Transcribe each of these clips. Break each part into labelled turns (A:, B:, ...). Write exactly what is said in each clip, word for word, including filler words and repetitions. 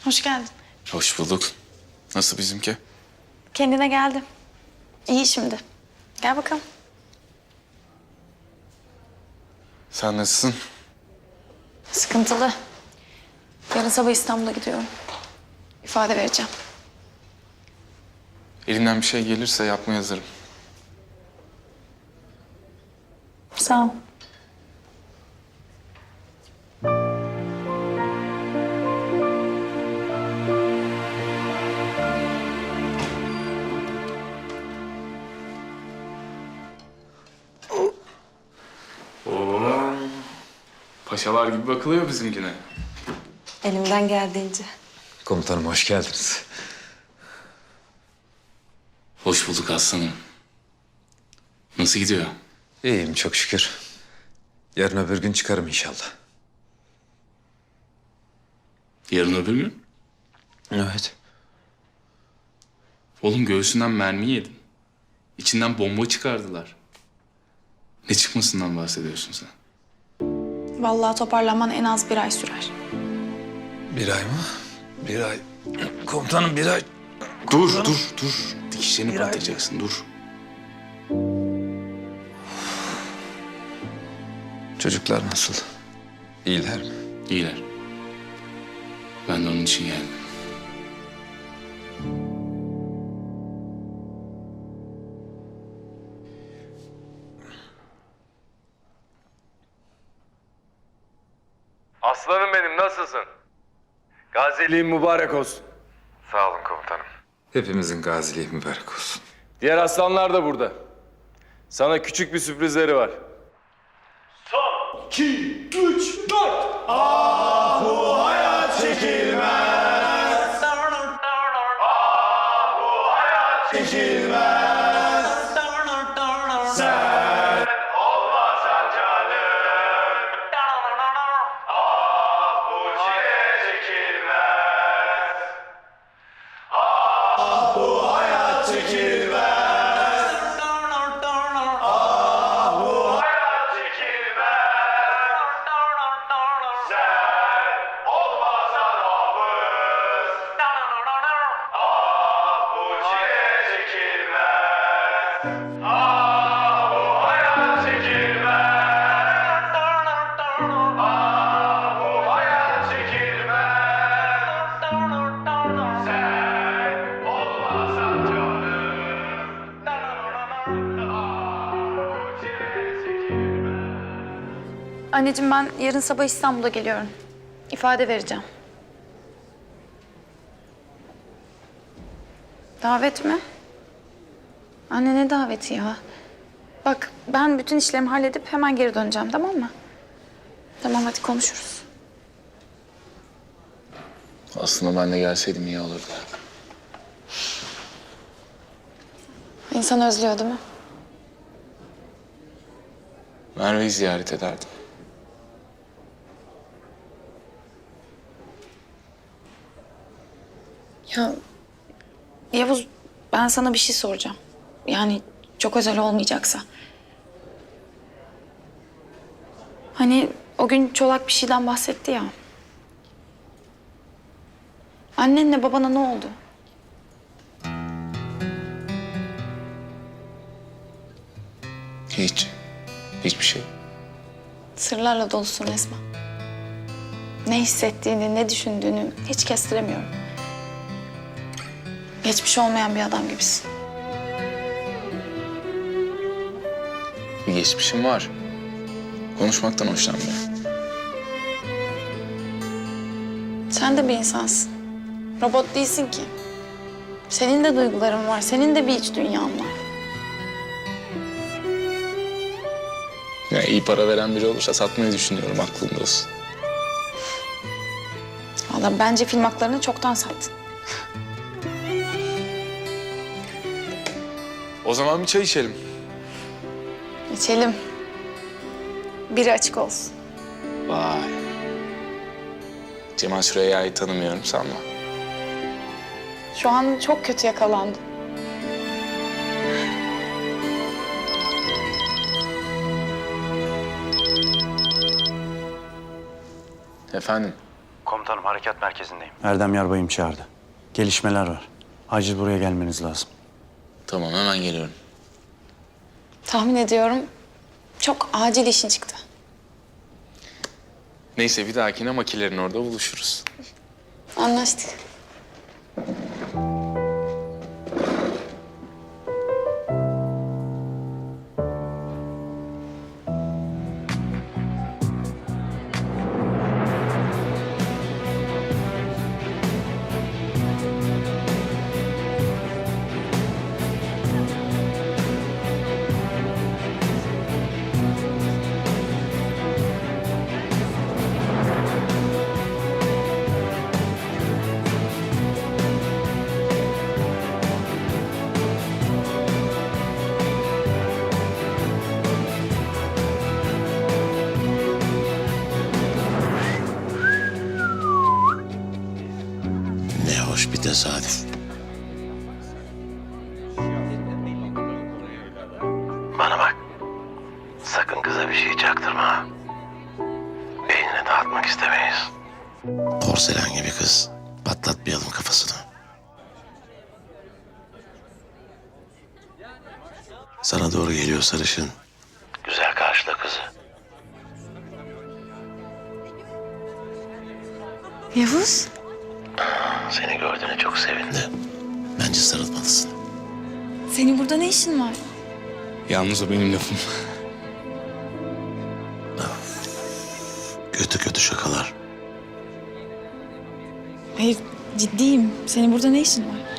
A: Hoş geldin.
B: Hoş bulduk. Nasıl bizimki?
A: Kendine geldi. İyi şimdi. Gel bakalım.
B: Sen nasılsın?
A: Sıkıntılı. Yarın sabah İstanbul'a gidiyorum. İfade vereceğim.
B: Elimden bir şey gelirse yapmaya hazırım.
A: Sağ ol.
B: Oo. Paşalar gibi bakılıyor bizimkine.
C: Elimden geldiğince.
D: Komutanım hoş geldiniz.
B: Hoş bulduk aslanım. Nasıl gidiyor?
D: İyiyim çok şükür. Yarın öbür gün çıkarım inşallah.
B: Yarın öbür gün?
D: Evet.
B: Oğlum göğsünden mermi yedin. İçinden bomba çıkardılar. Ne çıkmasından bahsediyorsun sen?
A: Vallahi toparlanman en az bir ay sürer.
D: Bir ay mı? Bir ay. Komutanım bir ay.
B: Dur, dur, dur. Dikişlerini
D: Bir ay.
B: batıracaksın, dur.
D: Çocuklar nasıl? İyiler mi?
B: İyiler. Ben de onun için geldim.
E: Aslanım benim, nasılsın? Gaziliğin mübarek olsun. Sağ olun komutanım.
D: Hepimizin gaziliği mübarek olsun.
E: Diğer aslanlar da burada. Sana küçük bir sürprizleri var. Son, iki, üç, dört. Ah bu hayat çekilmez. Ah bu hayat çekilmez. Sen olmasan canım. Ah bu çile çekilmez. Ah bu hayat çekilmez. Ah bu hayat çekilmez. Sen olmasan hafız. Ah bu çile çekilmez. Ah bu hayat çekilmez. Ah bu hayat çekilmez. Sen olmasan canım. Ah bu çile çekilmez.
A: Anneciğim ben yarın sabah İstanbul'a geliyorum. İfade vereceğim. Davet mi? Anne ne daveti ya? Bak ben bütün işlerimi halledip hemen geri döneceğim, tamam mı? Tamam, hadi konuşuruz.
B: Aslında ben de gelseydim iyi olurdu.
A: İnsan özlüyor değil mi?
B: Merve'yi ziyaret ederdim.
A: Ya Yavuz, ben sana bir şey soracağım. Yani çok özel olmayacaksa. Hani o gün Çolak bir şeyden bahsetti ya. Annenle babana ne oldu?
B: Hiç. Hiçbir şey.
A: Sırlarla dolusun Esma. Ne hissettiğini, ne düşündüğünü hiç kestiremiyorum. Geçmiş olmayan bir adam gibisin.
B: Bir geçmişim var. Konuşmaktan hoşlanmıyorum.
A: Sen de bir insansın. Robot değilsin ki. Senin de duyguların var, senin de bir iç dünyan var.
B: Ya iyi para veren biri olursa satmayı düşünüyorum, aklımda olsun.
A: Vallahi bence film haklarını çoktan sattın.
B: O zaman bir çay içelim.
A: İçelim. Biri açık olsun.
B: Vay. Cemal Süreyya'yı tanımıyorum sanma.
A: Şu an çok kötü yakalandım.
B: Efendim?
F: Komutanım harekat merkezindeyim.
G: Erdem Yarbay'ım çağırdı. Gelişmeler var. Acil buraya gelmeniz lazım.
B: Tamam, hemen geliyorum.
A: Tahmin ediyorum çok acil işin çıktı.
B: Neyse, bir dahakine makilerin orada buluşuruz.
A: Anlaştık.
H: Ne hoş bir tesadüf. Bana bak. Sakın kıza bir şey çaktırma. Beynini dağıtmak istemeyiz. Porselen gibi kız. Patlatmayalım kafasını. Sana doğru geliyor sarışın. Güzel karşıla kızı.
A: Yavuz.
H: Seni gördüğüne çok sevindi. Bence sarılmalısın.
A: Senin burada ne işin var?
B: Yalnız o benim lafım.
H: Kötü kötü şakalar.
A: Hayır ciddiyim. Senin burada ne işin var?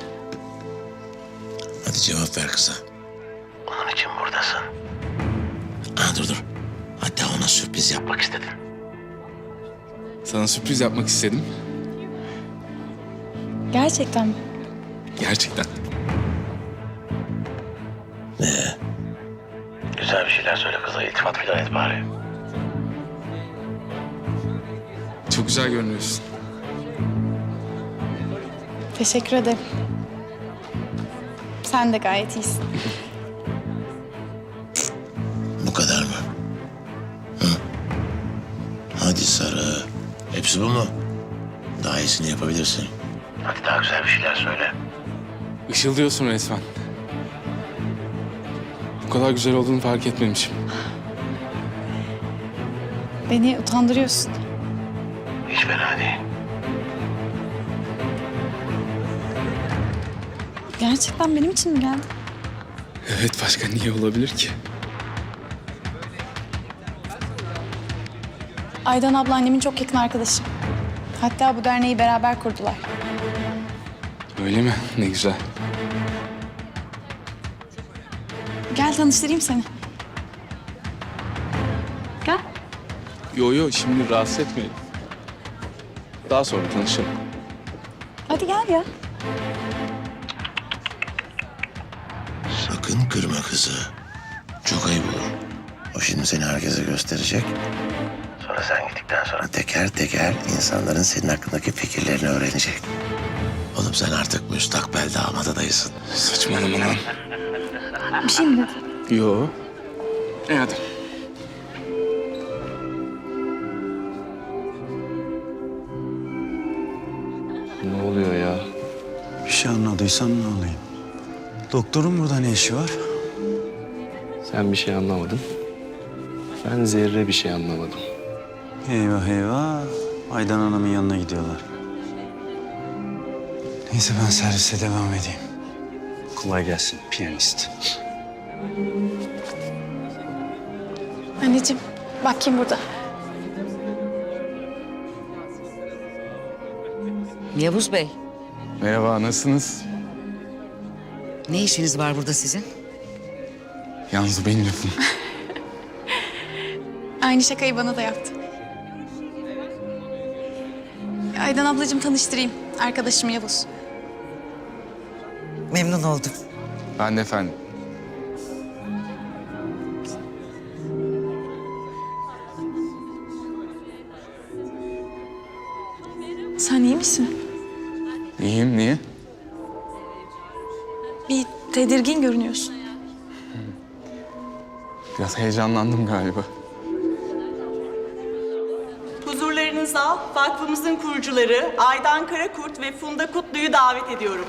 H: Hadi cevap ver kıza. Onun için buradasın. Ha, dur dur. Hatta ona sürpriz yapmak istedin.
B: Sana sürpriz yapmak istedim.
A: Gerçekten mi?
B: Gerçekten.
H: Ne? Güzel bir şeyler söyle kıza. İltifat filan et bari.
B: Çok güzel görünüyorsun.
A: Teşekkür ederim. Sen de gayet iyisin.
H: Bu kadar mı? Hı? Hadi Sarı. Hepsi bu mu? Daha iyisini yapabilirsin. Hadi daha güzel bir şeyler söyle.
B: Işıldıyorsun resmen. Bu kadar güzel olduğunu fark etmemişim.
A: Beni utandırıyorsun.
H: Hiç fena değil.
A: Gerçekten benim için mi geldin?
B: Evet, başka niye olabilir ki?
A: Aydan abla annemin çok yakın arkadaşı. Hatta bu derneği beraber kurdular.
B: Öyle mi? Ne güzel.
A: Gel tanıştırayım seni. Gel.
B: Yo yo, şimdi rahatsız etmeyin. Daha sonra tanışalım.
A: Hadi gel ya.
H: Sakın kırma kızı. Çok ayıp olur. O şimdi seni herkese gösterecek. Sonra sen gittikten sonra teker teker insanların senin hakkındaki fikirlerini öğrenecek. Oğlum sen artık müstakbel damat adayısın.
B: Saçmalama lan.
A: Bir şey mi dedin?
B: Yo. E hadi.
F: Ne oluyor ya?
G: Bir şey anladıysan ne olayım? Doktorun burada ne işi var?
F: Sen bir şey anlamadın. Ben zerre bir şey anlamadım.
G: Eyvah eyvah. Aydan Hanım'ın yanına gidiyorlar. Neyse ben servise devam edeyim. Kolay gelsin piyanist.
A: Anneciğim bak kim burada.
I: Yavuz Bey,
B: Merhaba, nasılsınız?
I: ne işiniz var burada sizin?
B: Yalnız o benim lafım.
A: Aynı şakayı bana da yaptı. Aydan ablacığım tanıştırayım. Arkadaşım Yavuz.
I: Memnun oldum.
B: Ben de efendim.
A: Sen iyi misin?
B: İyiyim, niye?
A: Bir tedirgin görünüyorsun.
B: Biraz heyecanlandım galiba.
J: Huzurlarınızda alkışlarınızla vakfımızın kurucuları Aydan Karakurt ve Funda Kutlu'yu davet ediyorum.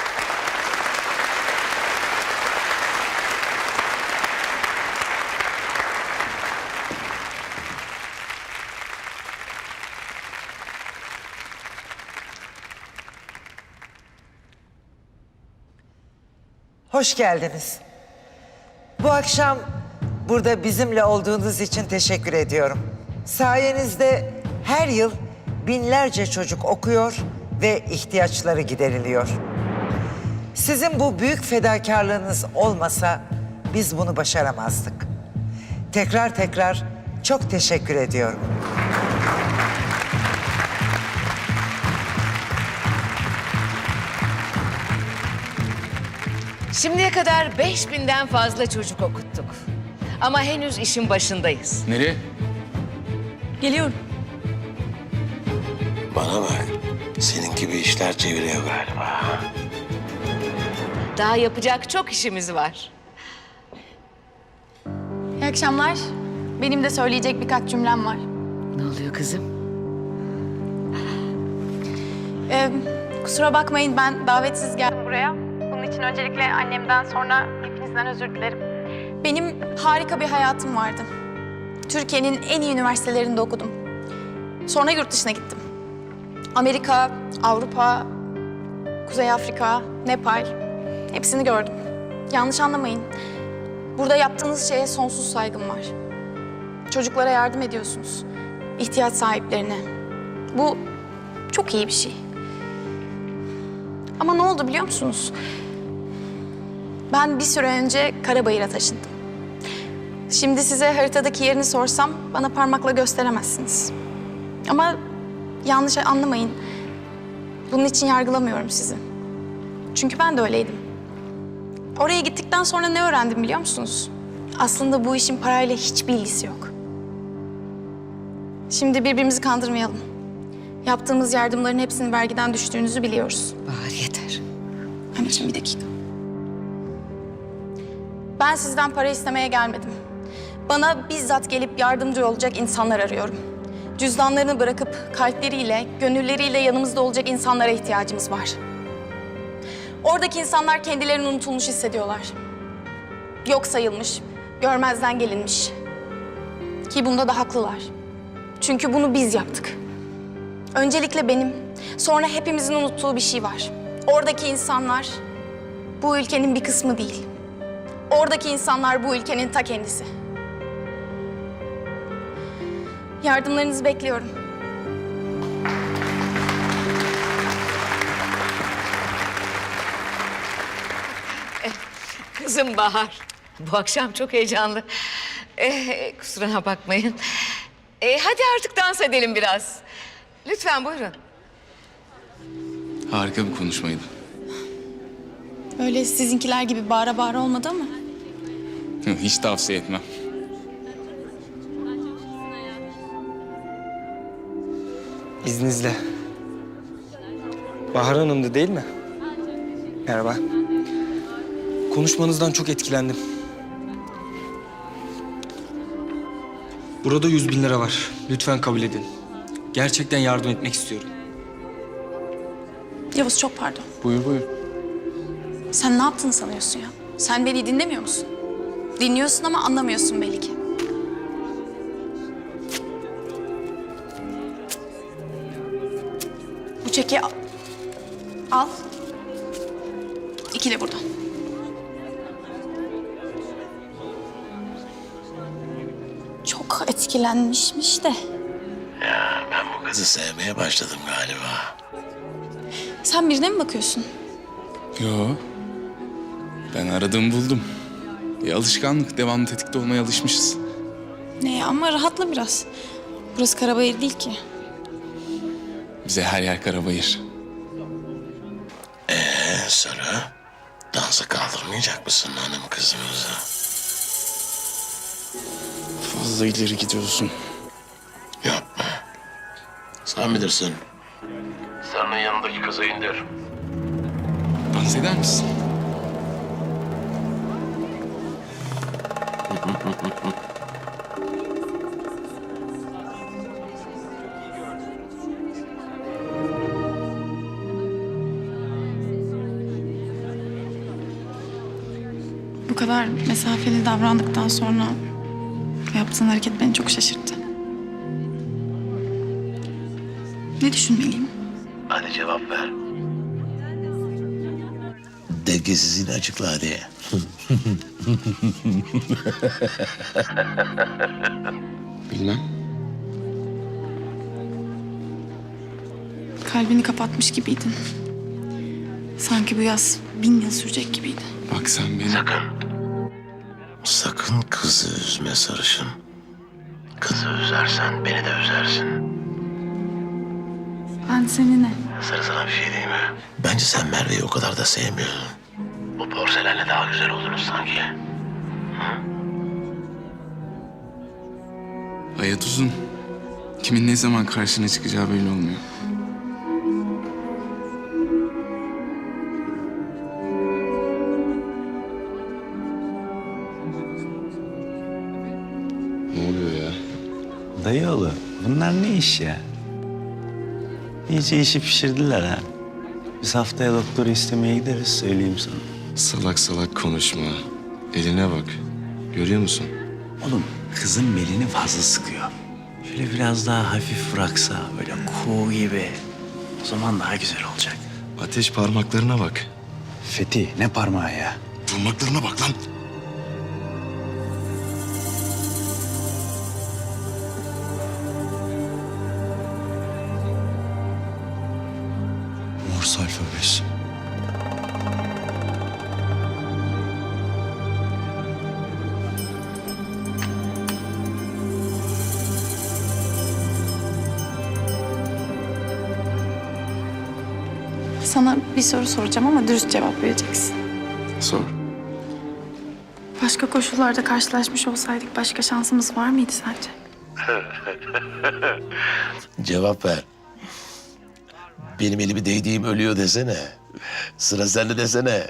K: Hoş geldiniz. Bu akşam burada bizimle olduğunuz için teşekkür ediyorum. Sayenizde her yıl binlerce çocuk okuyor ve ihtiyaçları gideriliyor. Sizin bu büyük fedakarlığınız olmasa biz bunu başaramazdık. Tekrar tekrar çok teşekkür ediyorum.
I: Şimdiye kadar beş binden fazla çocuk okuttuk. Ama henüz işin başındayız.
B: Nereye?
A: Geliyorum.
H: Bana bak. Senin gibi işler çeviriyor galiba.
I: Daha yapacak çok işimiz var.
A: İyi akşamlar. Benim de söyleyecek birkaç cümlem var.
I: Ne oluyor kızım?
A: Ee, kusura bakmayın, ben davetsiz geldim buraya. Bunun için öncelikle annemden, sonra hepinizden özür dilerim. Benim harika bir hayatım vardı. Türkiye'nin en iyi üniversitelerinde okudum. Sonra yurt dışına gittim. Amerika, Avrupa, Kuzey Afrika, Nepal, hepsini gördüm. Yanlış anlamayın. Burada yaptığınız şeye sonsuz saygım var. Çocuklara yardım ediyorsunuz. İhtiyaç sahiplerine. Bu çok iyi bir şey. Ama ne oldu biliyor musunuz? Ben bir süre önce Karabayır'a taşındım. Şimdi size haritadaki yerini sorsam bana parmakla gösteremezsiniz. Ama yanlış anlamayın. Bunun için yargılamıyorum sizi. Çünkü ben de öyleydim. Oraya gittikten sonra ne öğrendim biliyor musunuz? Aslında bu işin parayla hiçbir ilgisi yok. Şimdi birbirimizi kandırmayalım. Yaptığımız yardımların hepsinin vergiden düştüğünüzü biliyoruz.
I: Bahar yeter.
A: Anneciğim bir dakika. Ben sizden para istemeye gelmedim. Bana bizzat gelip yardımcı olacak insanlar arıyorum. Cüzdanlarını bırakıp kalpleriyle, gönülleriyle yanımızda olacak insanlara ihtiyacımız var. Oradaki insanlar kendilerini unutulmuş hissediyorlar. Yok sayılmış, görmezden gelinmiş. Ki bunda da haklılar. Çünkü bunu biz yaptık. Öncelikle benim, sonra hepimizin unuttuğu bir şey var. Oradaki insanlar bu ülkenin bir kısmı değil. Oradaki insanlar bu ülkenin ta kendisi. Yardımlarınızı bekliyorum.
I: Kızım Bahar. Bu akşam çok heyecanlı. Ee, kusura bakmayın. Ee, hadi artık dans edelim biraz. Lütfen buyurun.
B: Harika bir konuşmaydı.
A: Öyle sizinkiler gibi bağıra bağıra olmadı ama.
B: Hiç tavsiye etmem.
L: İzninizle. Bahar Hanım'dı değil mi? Merhaba. Konuşmanızdan çok etkilendim. Burada yüz bin lira var. Lütfen kabul edin. Gerçekten yardım etmek istiyorum.
A: Yavuz çok pardon.
B: Buyur buyur.
A: Sen ne yaptığını sanıyorsun ya? Sen beni dinlemiyor musun? Dinliyorsun ama anlamıyorsun belli ki. Bu çeki al. Al. İki de buradan. Çok etkilenmişmiş de.
H: Ya ben bu kızı sevmeye başladım galiba.
A: Sen birine mi bakıyorsun?
B: Yo. Ben aradığımı buldum. Bir alışkanlık. Devamlı tetikte olmaya alışmışız.
A: Ne ama rahatla biraz. Burası Karabayır değil ki.
B: Bize her yer karabayır.
H: Ee Sarı, dansa kaldırmayacak mısın hanım kızımızı?
B: Fazla ileri gidiyorsun.
H: Yapma. Sen bilirsin. Sarı'nın yanındaki kızı indir.
B: Dans eder misin?
A: Bu kadar mesafeli davrandıktan sonra yaptığın hareket beni çok şaşırttı. Ne düşünmeliyim?
H: Hadi cevap ver. Dengesizliğini açıkla hadi.
F: Bilmem.
A: Kalbini kapatmış gibiydin. Sanki bu yaz bin yıl sürecek gibiydi.
F: Bak sen beni...
H: Sakın. Sakın kızı üzme sarışın. Kızı üzersen beni de üzersin.
A: Ben seni ne?
H: Sarı sana bir şey diyeyim mi? Bence sen Merve'yi o kadar da sevmiyorsun. Bu porselenle daha güzel oluruz sanki.
B: Hayat uzun. Kimin ne zaman karşına çıkacağı belli olmuyor.
F: Ne oluyor ya?
G: Dayıoğlu bunlar ne iş ya? İyice işi pişirdiler ha. Biz haftaya doktoru istemeye gideriz söyleyeyim sana.
F: Salak salak konuşma. Eline bak. Görüyor musun?
G: Oğlum kızın belini fazla sıkıyor. Şöyle biraz daha hafif bıraksa böyle kuğu gibi. O zaman daha güzel olacak.
F: Ateş parmaklarına bak.
G: Fethi ne parmağı ya?
F: Parmaklarına bak lan.
G: Morse alfabesi.
A: Sana bir soru soracağım ama dürüst cevap vereceksin.
B: Sor.
A: Başka koşullarda karşılaşmış olsaydık başka şansımız var mıydı sence?
H: Cevap ver. Benim elimi değdiğim ölüyor desene. Sıra sende desene.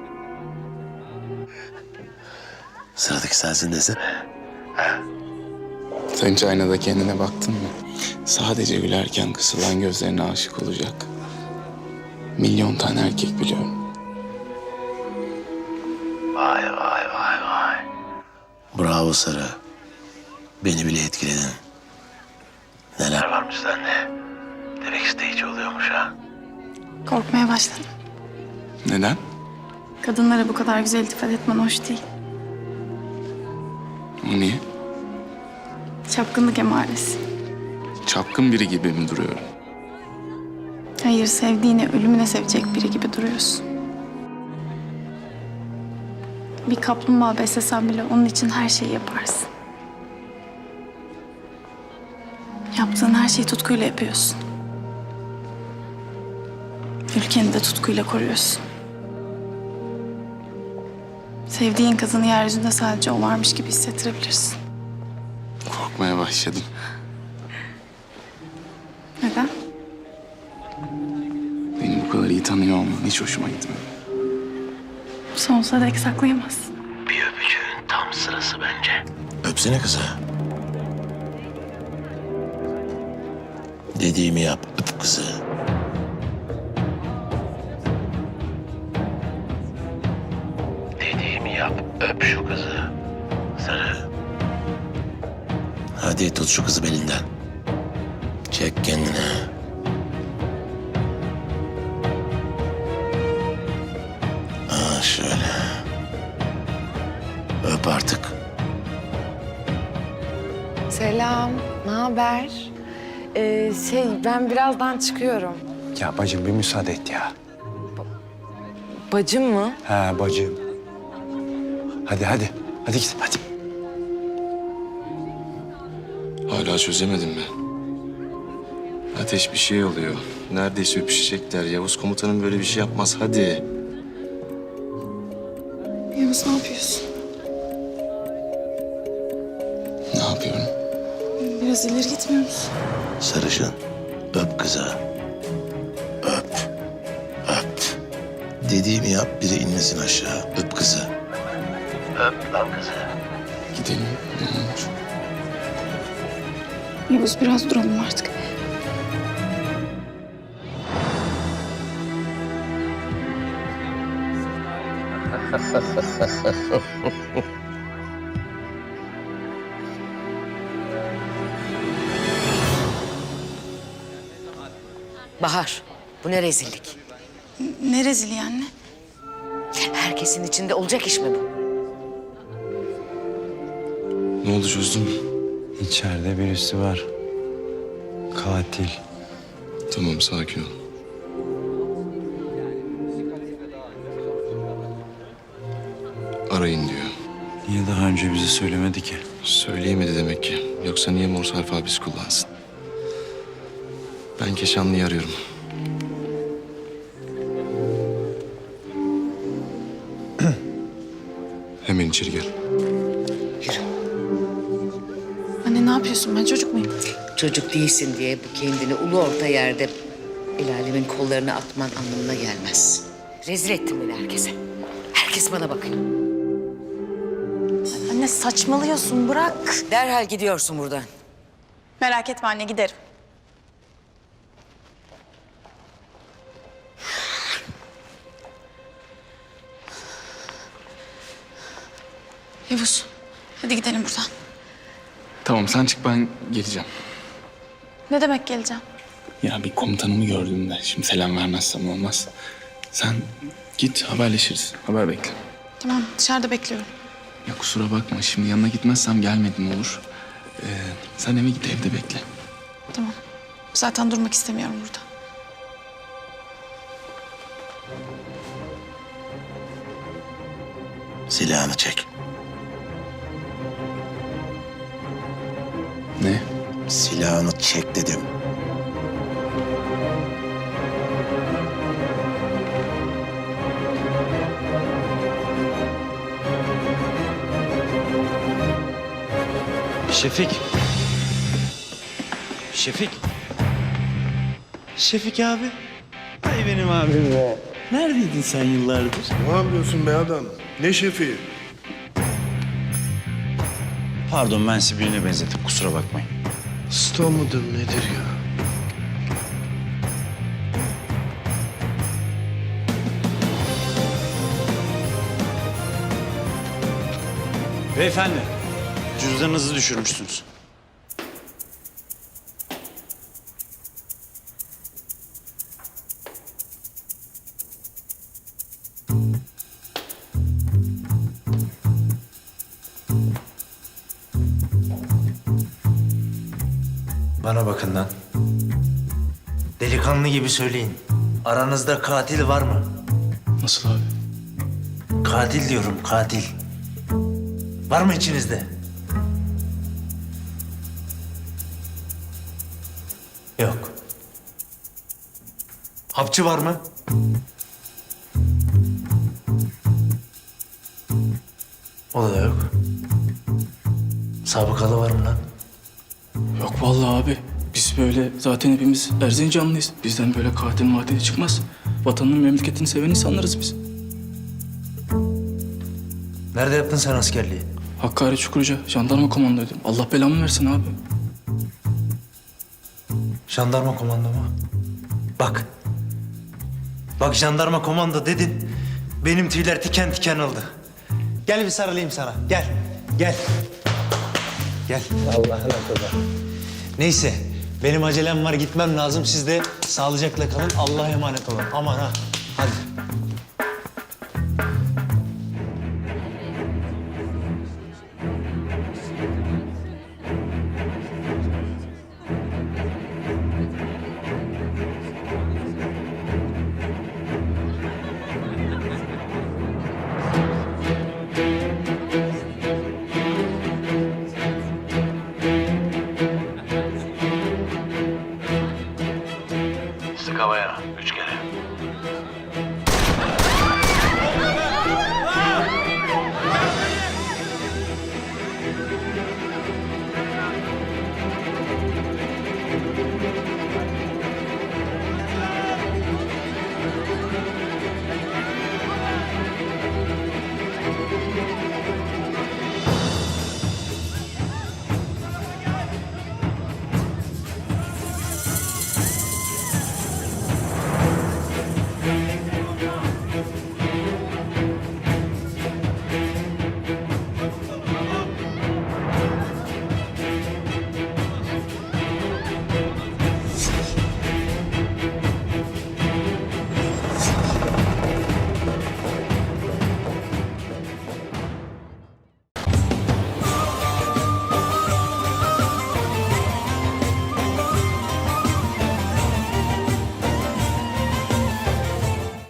H: Sıradaki sensin desene.
B: Sen hiç aynada kendine baktın mı? Sadece gülerken kısılan gözlerine aşık olacak. Milyon tane erkek biliyorum.
H: Vay vay vay vay. Bravo Sarı. Beni bile etkiledin. Neler varmış sende. Demek isteyici oluyormuş ha.
A: Korkmaya başladım.
B: Neden?
A: Kadınlara bu kadar güzel iltifat etmen hoş değil.
B: O niye?
A: Çapkınlık emaresi.
B: Çapkın biri gibi mi duruyorum?
A: Hayır, sevdiğini ölümüne sevecek biri gibi duruyorsun. Bir kaplumbağa beslesen bile onun için her şeyi yaparsın. Yaptığın her şeyi tutkuyla yapıyorsun. Ülkeni de tutkuyla koruyorsun. Sevdiğin kızını yeryüzünde sadece o varmış gibi hissettirebilirsin.
B: Korkmaya başladım.
A: Neden?
B: Beni bu kadar iyi tanıyor olman hiç hoşuma gitmedi.
A: Sonsuza dek saklayamazsın.
H: Bir öpücüğün tam sırası bence. Öpsene kızı. Dediğimi yap, öp kızı. Dediğimi yap, öp şu kızı. Sarı. Hadi tut şu kızı belinden. Çek kendine. Aa şöyle. Öp artık.
C: Selam, ne haber? Ee, şey, ben birazdan çıkıyorum.
G: Ya bacım bir müsaade et ya.
C: Bacım mı?
G: Ha bacım. Hadi hadi. Hadi git hadi.
F: Hala çözemedim mi? Ateş bir şey oluyor. Neredeyse öpüşecekler. Yavuz komutanım böyle bir şey yapmaz. Hadi.
A: Yavuz ne yapıyorsun?
B: Ne yapıyorum?
A: Biraz ileri gitmiyor musun?
H: Sarışın. Öp kızı. Öp. Öp. Dediğimi yap, biri inmesin aşağı. Öp kızı. Öp lan kızı.
B: Gidelim. Ne olur.
A: Yavuz biraz duralım artık.
I: Bahar, bu ne rezillik?
A: Ne rezili anne?
I: Herkesin içinde olacak iş mi bu?
F: Ne oldu, çözdün mü?
G: İçeride birisi var. Katil.
F: Tamam, sakin ol. Arayın diyor.
G: Niye daha önce bize söylemedi ki?
F: Söyleyemedi demek ki. Yoksa niye Morse alfabesi kullansın? Ben Keşanlı'yı arıyorum. Hemen içeri gel.
A: Anne ne yapıyorsun? Ben çocuk muyum?
I: Çocuk değilsin diye bu kendini ulu orta yerde el alemin kollarına atman anlamına gelmez. Rezil ettin beni herkese. Herkes bana bakıyor.
A: Anne saçmalıyorsun. Bırak.
I: Derhal gidiyorsun buradan.
A: Merak etme anne giderim. Yavuz, hadi gidelim buradan.
B: Tamam sen çık ben geleceğim.
A: Ne demek geleceğim?
B: Ya bir komutanımı gördüm de şimdi selam vermezsem olmaz. Sen git haberleşiriz. Haber bekle.
A: Tamam, dışarıda bekliyorum.
B: Ya kusura bakma şimdi yanına gitmezsem gelmedin olur. Ee, sen eve git evde bekle.
A: Tamam. Zaten durmak istemiyorum burada.
H: Silahını çek.
B: Ne?
H: Silahını çek dedim.
G: Şefik. Şefik. Şefik abi. Ay benim abim be. Neredeydin sen yıllardır?
M: Ne yapıyorsun be adam? Ne şefi?
G: Pardon, ben sizi birine benzettim, kusura bakmayın.
M: Usta mıdır nedir ya?
G: Beyefendi, cüzdanınızı düşürmüşsünüz.
N: Bana bakın lan. Delikanlı gibi söyleyin. Aranızda katil var mı?
B: Nasıl abi?
N: Katil diyorum, katil. Var mı içinizde? Yok. Hapçı var mı? O da yok. Sabıkalı var mı lan?
L: Yok vallahi abi. Biz böyle zaten hepimiz Erzincanlıyız. Bizden böyle katil matil çıkmaz. Vatanını, memleketini seven insanlarız biz.
N: Nerede yaptın sen askerliği?
L: Hakkari Çukurca jandarma komandoydum. Allah belamı versin abi.
N: Jandarma komando mu? Bak. Bak jandarma komando dedin. Benim tüyler tiken tiken oldu. Gel bir sarılayım sana. Gel. Gel. Gel. Allah'ına kadar. Neyse. Benim acelem var, gitmem lazım. Siz de sağlıcakla kalın. Allah'a emanet olun. Aman ha. Hadi.